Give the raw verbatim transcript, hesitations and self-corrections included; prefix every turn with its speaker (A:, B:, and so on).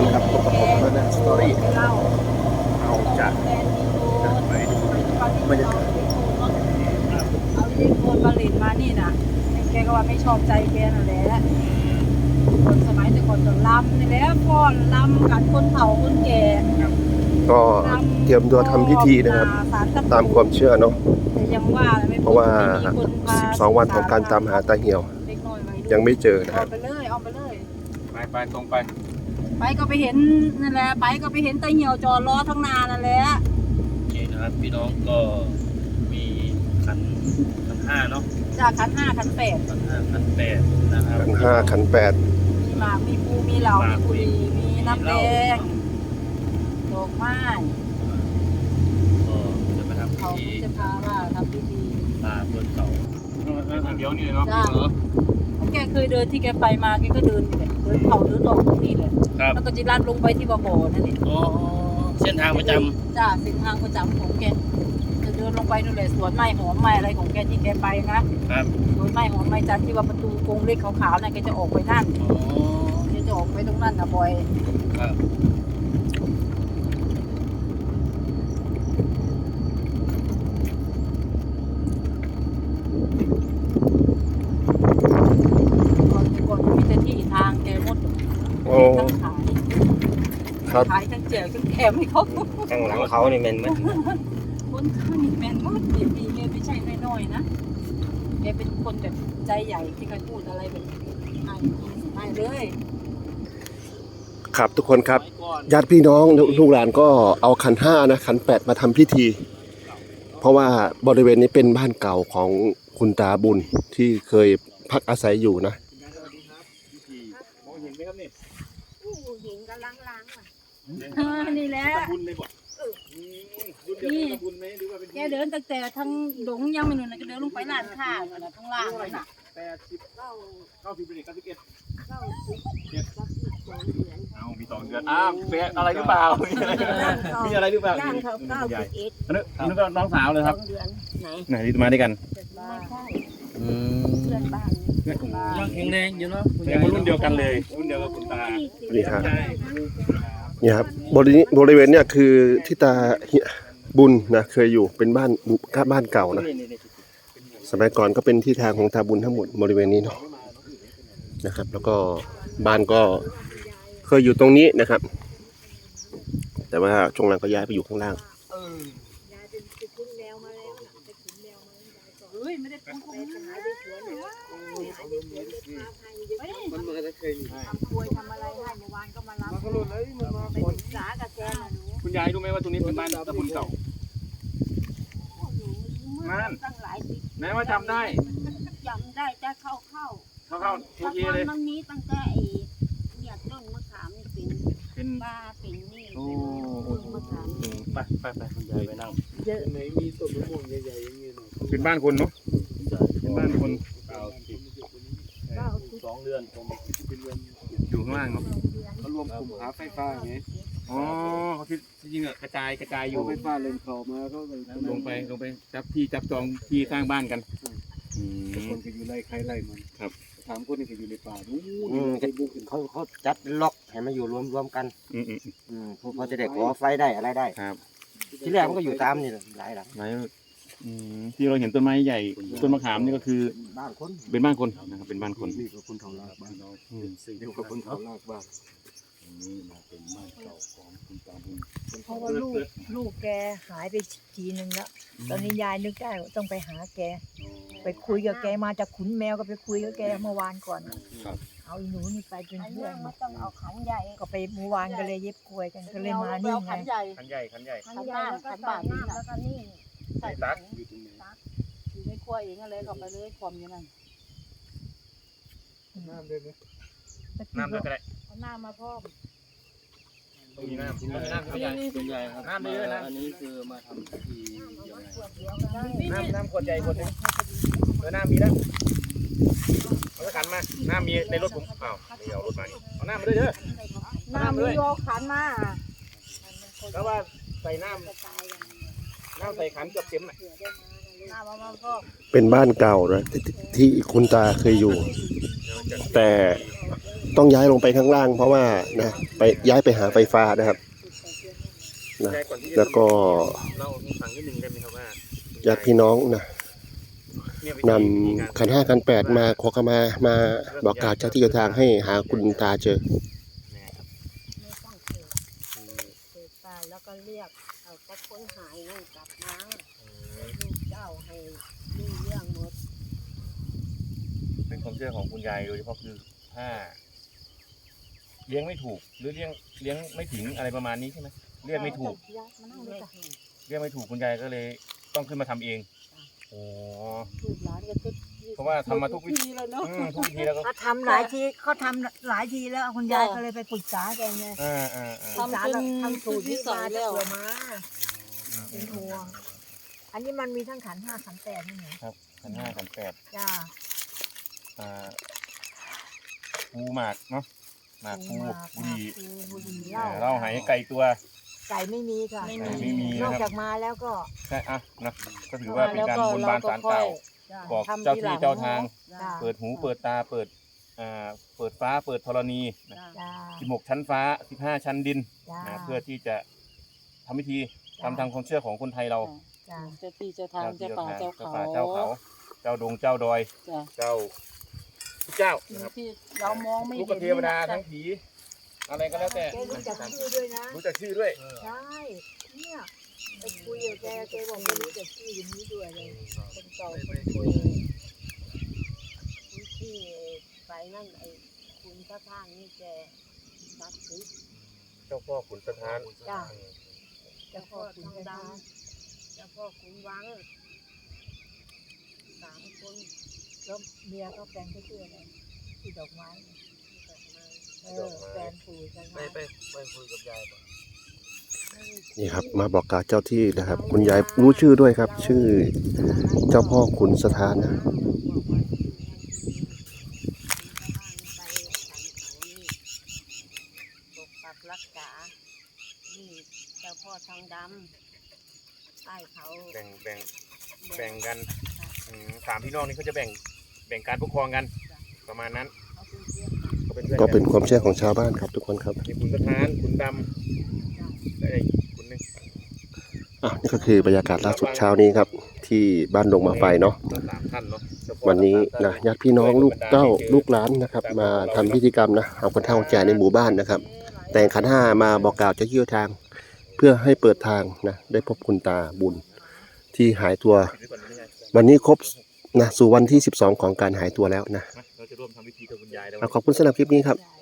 A: คนครับพบกับผมแล้วนะสตอรี่เอาจากไปบรรยากาศ
B: เอาที่คนผลิตมานี่นะแกก็ว่าไม่ชอบใจแกนั่นแหละคนสมัยแต่ก่อนจะลำนี่แหละพ่อนลำกันคนเฒ่าคนแก่
A: ก็เตรียมตัวทำพิธีนะครับตามความเชื่อเนาะเพราะว่าสิบสองวันของการตามหาตาเหี่ยวยังไม่เจอนะครับ
B: เอาไปเลยเอาไปเลย
C: ไปไปตรงไป
B: ไปก็ไปเห็นนั่นแหละไปก็ไปเห็นตาเหี่ยวจอดรอทั้งนานั่นแหละ
C: นี่นะครับพี่น้องก็มีขันขันห้าเนาะ
B: จากขันห้าขันแปด
C: ขันห้าขันแปดนะครับ
A: ขันห้าขันแปด
B: มีหมากมีปูมีเหล่ามีบุหรี่มีน้ำแดงดอกไม้
C: ก็จะไปทำพิ
B: เขา
C: ธี
B: จะพาว่าทำพิธี
C: ตาบนเขาทางเดียวนี่เลยเนาะ
B: แกเคยเดินที่แกไปมาแกก็เดินอยู่เลยเดินเขาเดินออกตรงนี้เลย
C: ครับ
B: แล้วก็จิรัดลงไปที่บ่อบ่อนั่นเอง
C: อ๋อเส้นทางประจ
B: จ้าเส้นทางประจำของแกจะเดินลงไปนู่นเลยสวนไม้หอมไม้อะไรของแกที่แกไปนะครับ สวนไม้หอมไม้จันทร์ที่ว่าประตูกรงเล็กขาวๆนั่นแกจะออกไปนั่น
C: อ๋อ
B: แกจะออกไปตรงนั้นนะบอย
C: ครับ
B: ก่อนก่อนมีแต่ที่ทางแกหมด
A: โอ้
B: ทั้งขาย
A: ครับ
B: ขายทั้งแจกทั้งแถมให้เขา
C: ข้างหลังเขานี่แม่นไหม
B: คนข้างนี่แมนมากเด็กดีแกไม่ใช่น้อยๆนะแกเป็นคนแบบใจใหญ่ที่เคยพูดอะไรแบบให้ให้เลย
A: ครับทุกคนครับญาติพี่น้องลูกหลานก็เอาขันห้านะขันแปดมาทำพิธี เพราะว่าบริเวณนี้เป็นบ้านเก่าของคุณตาบุญที่เคยพักอาศัยอยู่นะ
C: มองเห็นไหมครับนี่
B: ผู้หญิงกำลังล้างอ่ะนี่แหละ
C: บุญเลยบ่บุญเดียวกับบุญไหมหรือว่าเป็น
B: แกเดินตั้งแต่ทางดงยังไม่นู่นนะแกเดินลงไปร้านค้าน่ะข้างล่างนั่นน่ะ
C: แปดสิบเก้าเก้าสิบเป็นเก้าสิบเอ็ด
B: เก้าสิบเจ็ดสิบสองเดือน
C: เอามีสองเดือนอ้าวเป็นอะไรหรือเปล่ามีอะไรหรือเปล่า
B: ย่างเขาเก้าสิบเอ็ด
C: อันนี้อันนี้ก็น้องสาวเลย
B: ส
C: ค
B: อ
C: รับ
B: งเดือนไหน
C: ไหนที่มาด้วยกัน
B: ไม่ใช่
C: อืม
B: เพื่อนบ้าน
C: ยังแข็งแรงอยู่เนาะแสดงว่ารุ่นเดียวกันเลยรุ่นเดียวกับคุณตา
A: นี่ครับ
C: ใช่
A: เนี่ยครับบริบริเวณเนี่ยคือที่ตาเหี่ยบุญนะเคยอยู่เป็นบ้านบ้านเก่านะสมัยก่อนก็เป็นที่ทางของตาบุญทั้งหมดบริเวณนี้เนาะนะครับ แล้วก็บ้านก็เคยอยู่ตรงนี้นะครับ แต่ว่าช่วงหลังก็ย้ายไปอยู่ข้างล่าง
B: เฮ้ยไม่ได้เป็นคนหายไปสวนเลยมันมาจะเคยทำควยทำอะไรให้เมื่อวานก็มารับไปศึกษากับแกนะหนู
C: คุณยายรู้ไหมว่าตรงนี้เป็นบ้านตะบุญเก่านั่น
B: ตั้งหลายสิบ
C: แม้ว่าจำได้
B: จำได้จะเข้าเข้า
C: เข้าเข้าโอเคเลย
B: มันมีตั้งแต่ไอ้เนี่ยต้นมะขามนี่เป็น
C: เป็น
B: บ้าเป็นนี่
C: โอ้
B: เป็นมะขาม
C: ไปไปไปคุณยายไปนั่ง
B: เยอะ
D: ไหนมีต้นมะม่วงใหญ่ๆอย่างเงี้ยเนาะ
C: เป็นบ้านคนเนาะเป็นบ้านคน
D: เก้าสิบ
B: เก้าสิบ
D: สองเรือนผมเป็นเรือน
C: อยู่ข้างล่างเนาะ
D: เขารวมกลุ่มหาไฟฟ้าไง
C: อ๋อเขาที่จริงๆอะกระจายกระจายอ
D: เอา
C: ยู่
D: ไฟฟ้าเลนเขามาเขาเลย
C: ลงไปลงไปจับที่จับจองที่สร้างบ้านกันอืม
D: คนก็อยู่ไร่ใครไร่มัน
C: ครับ
D: ถามคนนี้ก็อยู่ในป่านู้
E: อืม
D: นไปบุกถึง
E: เขาเขาจัดล็อกให้มาอยู่รวมรวมกัน
C: อืมอืม
E: อืมพอจะได้ขอไฟได้อะไรได้
C: ครับ
E: ที่แรกมันก็อยู่ตามนี่แหละหลายหลัง
C: ไหนอืมที่เราเห็นต้นไม้ใหญ่ต้นมะขามนี่ก็คือ
E: บ้านคน
C: เป็นบ้านคนนะครับเป็นบ้านคน
D: นี่ก็คนเฒ่าลากบ้านเรา
C: อืม
D: สี่เดียวกับคนเฒ่าลากบ้าน
C: นี่มาเป็นบ้านเก่าของคุณตาบุญ
F: เพราะว่าลูกลูกแกหายไปทีนึงแล้ว ตอนนี้ยายนึกได้ว่าต้องไปหาแก ไปคุยกับแกมาจากขุนแมวก็ไปคุยกับแกเมื่อวานก่อน เอาอีหนูนี่ไปเป็น
B: อัน
F: เพื่
B: นี้
F: อน
B: มันต้องเอาขันใหญ่
F: ก็ไปเมื่อวานก็เลยเย็บกล้วยกันก็เลยมานี่ไง
B: ขันใหญ่
C: ขันใหญ่ขันใหญ่
B: ขันบ้านขันบ้านนี่แล้วก็นี่ใส่
C: ตั
B: ตั
C: ก
B: กอยู่ในครัวเองอะไรก็ไปเลยความอย่างนั้น
D: น้ำได้ไหม
C: น้ำด้วยก็ได้
B: เอาหน้ามาพร้อม
C: ต้องมีน้ำต้องมีน้ำขันใหญ่
D: เป็นใหญ่ครับ
C: น้ำเยอะนะ
D: อันนี้คือมาทำพิธียังไง
B: ขวดเดียวก็ได้
C: น้ำน้ำขวดใหญ่ขวดหนึงเออน้ำมีแล้วเอาสักขันมาน้ำมีในรถผมเปล่าไม่เอารถมานี่เอาน้ำมาด้วยเด้อ
B: หน้ามีโยขันมา
C: แล้วว่าใส่น้ำน้ำใส่ขันเกือบเต็มน่ะ
B: หน้ามามาพร้อม
A: เป็นบ้านเก่านะที่ที่คุณตาเคยอยู่ แต่ต้องย้ายลงไปข้างล่าง เพราะว่านะไปย้ายไปหาไฟฟ้านะครับนะ
C: ยายก่อนที่จะ
A: แล้วก็
C: เล่าให้ฟังนิดนึงได้ไหมครับว่า
A: ญาติพี่น้องนะ
C: เนี่ยวิ
A: น
C: ธีวิธีการ
A: ำขันห้าขันแปดมาขอขมามาบอกกล่าวเจ้าที่เจ้าทางให้หาคุณตาเจอ
C: เนี่ยครับ
B: ไม่ต้องเกิดเกิดตายแล้วก็เรียกเอาแต่คนหายนั่นกลับมาลูกเจ้าให้รู้เรื่องหมด
C: เป็นความเชื่อของคุณยายโดยเฉพาะคือถ้า เลี้ยงไม่ถูก หรือเลี้ยงเลี้ยงไม่ถึงอะไรประมาณนี้ใช่ไหมเรียกไม่ถูก
B: มานั่งเลยจ้ะ
C: เรียกไม่ถูกคุณยายก็เลยต้องขึ้นมาทำเองโอ้
B: ลูกหลานก็จะ
C: เพราะว่าทำมาทุกวิธี
B: แล้วเนาะ
C: อืมทุกวิธีแล้วก็
F: เขาทำหลายทีเขาทำหลายทีแล้วคุณยายก็เลยไปปรึกษาแกไง
C: อ่าอ่าอ่า
F: ปรึกษาแล้วทำสูตรที่มาจะเผื่อมาเป็นห่วงอันนี้มันมีทั้งขันห้าขันแปดนั่นไง
C: ครับขันห้าขันแปด
F: จ้า
C: อ่าปูหมากเนาะหมากปูบุหรี่
F: บุหรี่
C: เอ่
F: เหล้า
C: อเหล้าไหไก่ตัว
F: ไก่ไม่มีค่ะ
C: ไก่ไม่มี
F: นอก
C: นะครับ
F: จากมาแล้วก็
C: ใช่อ่ะนะก็ถือว่าเป็นการบนบานศาลเก่า
F: จ้า
C: บอกเจ้าที่เจ้าทาง
F: จ้า
C: เปิดหูเปิดตาเปิดอ่าเปิดฟ้าเปิดธรณีนะ
F: จ้า
C: สิบหกชั้นฟ้าสิบห้าชั้นดิน
F: จ้า
C: นะเพื่อที่จะทำพิธีทำทางความเชื่อของคนไทยเรา
F: จ้า
B: เจ้าที่เจ้าทางเจ้าป่าเจ้าเขา
C: ป่าเจ้าเขา เจ้าดงเจ้าดอย
B: จ้ะ
C: เจ้าทุกเจ้านะครับ
B: ที่เรามองไม่
C: ลูก
B: เห็น
C: เทวดาทั้งผีอะไรก็แล้วแต่
F: แกรู้จักชื่อด้วยนะ
C: รู้จักชื่อด้วย
F: ใช่เนี่ยไปคุยกับแกแกบอกแกรู้จักชื่ออย่างนี้ด้วยเลยคนเก่าคนคุยที่ไปนั่นไอ้คุณพระทางนี่แกรักซื้อ
C: เจ้าพ่อขุนสถาน
F: จ้า
C: อืม
F: เจ้าพ่อคุณพระทาง
B: เจ้าพ่อขุนวังสามคน
F: แล้วเมียก็แฟนก็ชื่ออะไรที่ดอกไม้เออแฟนปู่กัน
D: ไปไปไปคุยกับยายก่อน
A: นี่ครับ มาบอกกล่าวเจ้าที่นะครับ คุณยายรู้ชื่อด้วยครับ ชื่อเจ้าพ่อขุนสถานนะ
B: ปกปักรักษา นี่เจ้าพ่อทองดำใต้เขา
C: แบ่งแบ่งแบ่งกันอืมสามพี่น้องนี่เขาจะแบ่งแบ่งการปกครองกัน ประมาณนั้น
B: เขาเป็นเพื่อนกัน
C: เขาเป็นเพื่อน
A: ก็เป็นความเชื่อของชาวบ้านครับทุกคนครับ
C: มีขุนสถานขุนดำและอีกขุนหนึง
A: อ่ะนี่ก็คือบรรยากาศล่าสุดเช้านี้ครับ ที่บ้านดงมาไฟเนาะ
C: ทั้งสามท่านเนาะเจ้าพ่อ
A: วันนี้
C: ทั้งสาม
A: นะ
C: ท่
A: ญาติพี่น้องลูกเต้าลูกหลานนะครับ มาทำพิธีกรรมนะเอาคนเฒ่าคนแก่ในหมู่บ้านนะครับ แต่งขันห้ามาบอกกล่าวเจ้าที่เจ้าทาง เพื่อให้เปิดทางนะได้พบคุณตาบุญที่หายตัว
C: ปิดไว้ก่อนไม่ใช่
A: วันนี้ครบนะสู่วันที่สิบสองของการหายตัวแล้วนะ
C: นะเราจะร่วมทำพิธีกับคุณยายแล้ว
A: อ่ะขอบคุณสำหรับคลิปนี้ครับ
F: ใช่